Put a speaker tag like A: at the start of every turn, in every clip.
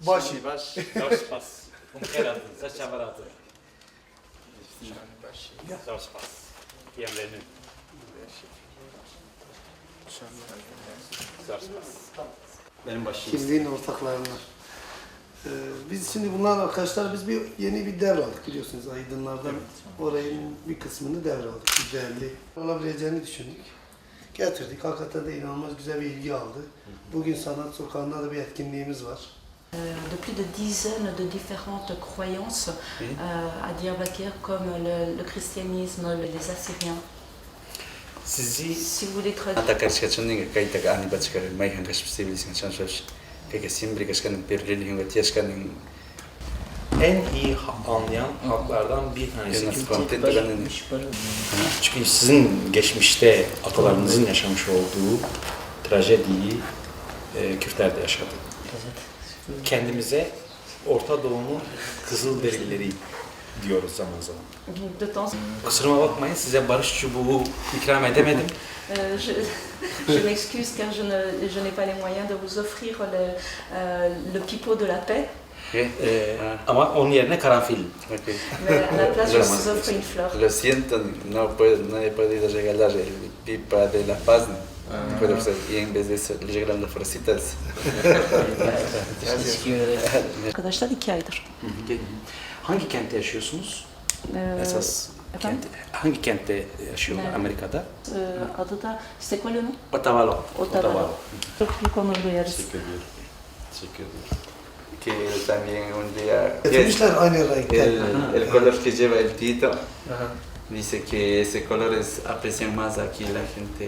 A: Başı.
B: Dos pas. Sachavarato. Dos pas. Bienvenido. Dos pas. Benim başım.
A: Kimliğin ortaklarına. Biz şimdi bunlar arkadaşlar biz yeni bir devraldık biliyorsunuz Aydınlardan. Orayın bir kısmını devraldık. Güzelliği olabileceğini düşündük. Getirdik. Hakikaten de inanılmaz güzel bir ilgi aldı. Bugün Sanat Sokağı'nda da bir etkinliğimiz var.
C: De plus de dizaines de différentes croyances à Diyarbakır comme le christianisme, les Assyriens.
B: Sizi
C: Si vous voulez traduire.
D: Atakarskachunninga kayta ani bachkar mayhan kash civilización chanchash que siempre kashkan per religión gatiashkan
B: en iyi anlayan halklardan bir tanesi. Çünkü sizin geçmişte atalarınızın yaşamış olduğu trajediyi Kürtler de yaşadı. Kendimize Orta Doğu'nun Kızılderilileri diyoruz zaman zaman.
C: De temps.
B: Kusuruma bakmayın, size barış çubuğu ikram edemedim.
C: Je m'excuse car je n'ai pas les moyens de vous offrir le pipeau de la paix.
B: Ama onun yerine karanfil.
D: Okay.
C: Mais à la place, je vous offre une fleur.
D: Lo siento, no he podido regalar el pipa de la paz. Pero pues, y en vez de eso le llegaron las florecitas.
C: Arkadaşlar 2 aydır.
B: Hangi kentte yaşıyorsunuz? Esas
C: efendim?
B: hangi kentte yaşıyorlar
C: Evet.
B: Amerika'da?
C: Adı da c'est quoi le nom?
B: Otavalo.
C: Otavalo. Çok büyük onur duyarız.
D: Que también un día
A: Getirmişler aynı renkten.
D: el color que lleva el Tito dice que ese color es aprecian más aquí la gente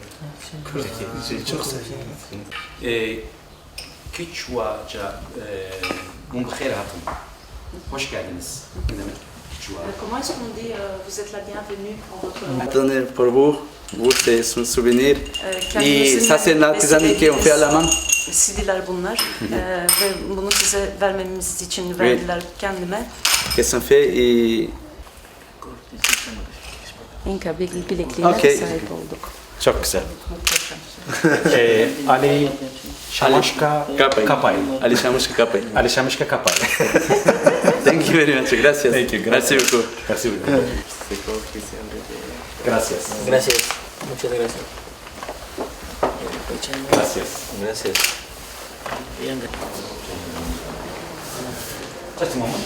A: Çok seviyorum.
B: Quechua'ca Mumkhir Hatun. Hoş geldiniz. Ne demek? Quechua.
C: Comment est-ce qu'on dit vous êtes la bienvenue en votre langue?
D: Donner pour vous c'est un souvenir y
C: Kendimizin
D: ça c'est l'artisanat qu'on fait à la main.
C: CD'ler bunlar ve bunu size vermemiz için verdiler kendime.
D: Que sont faits et
C: İnka bilekliğine
D: Okay.
C: sahip olduk.
B: Çok güzel.
C: Muhteşem.
B: Ali Şamaşka Kapay.
D: Ali Shamushka Kapay.
B: Ali Şamaşka Kapay.
D: Thank you very much. Gracias.
B: Thank you.
D: Merci beaucoup.
B: Merci beaucoup. Gracias.
E: Gracias. Muchas gracias.
B: Gracias.
E: Gracias. Bien.
B: Just a moment.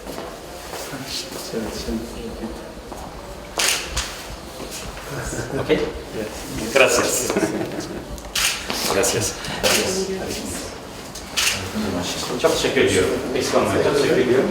B: Okay? Gracias. Gracias. Çok teşekkür ediyorum. Eksik olmayın. Çok teşekkür ediyorum.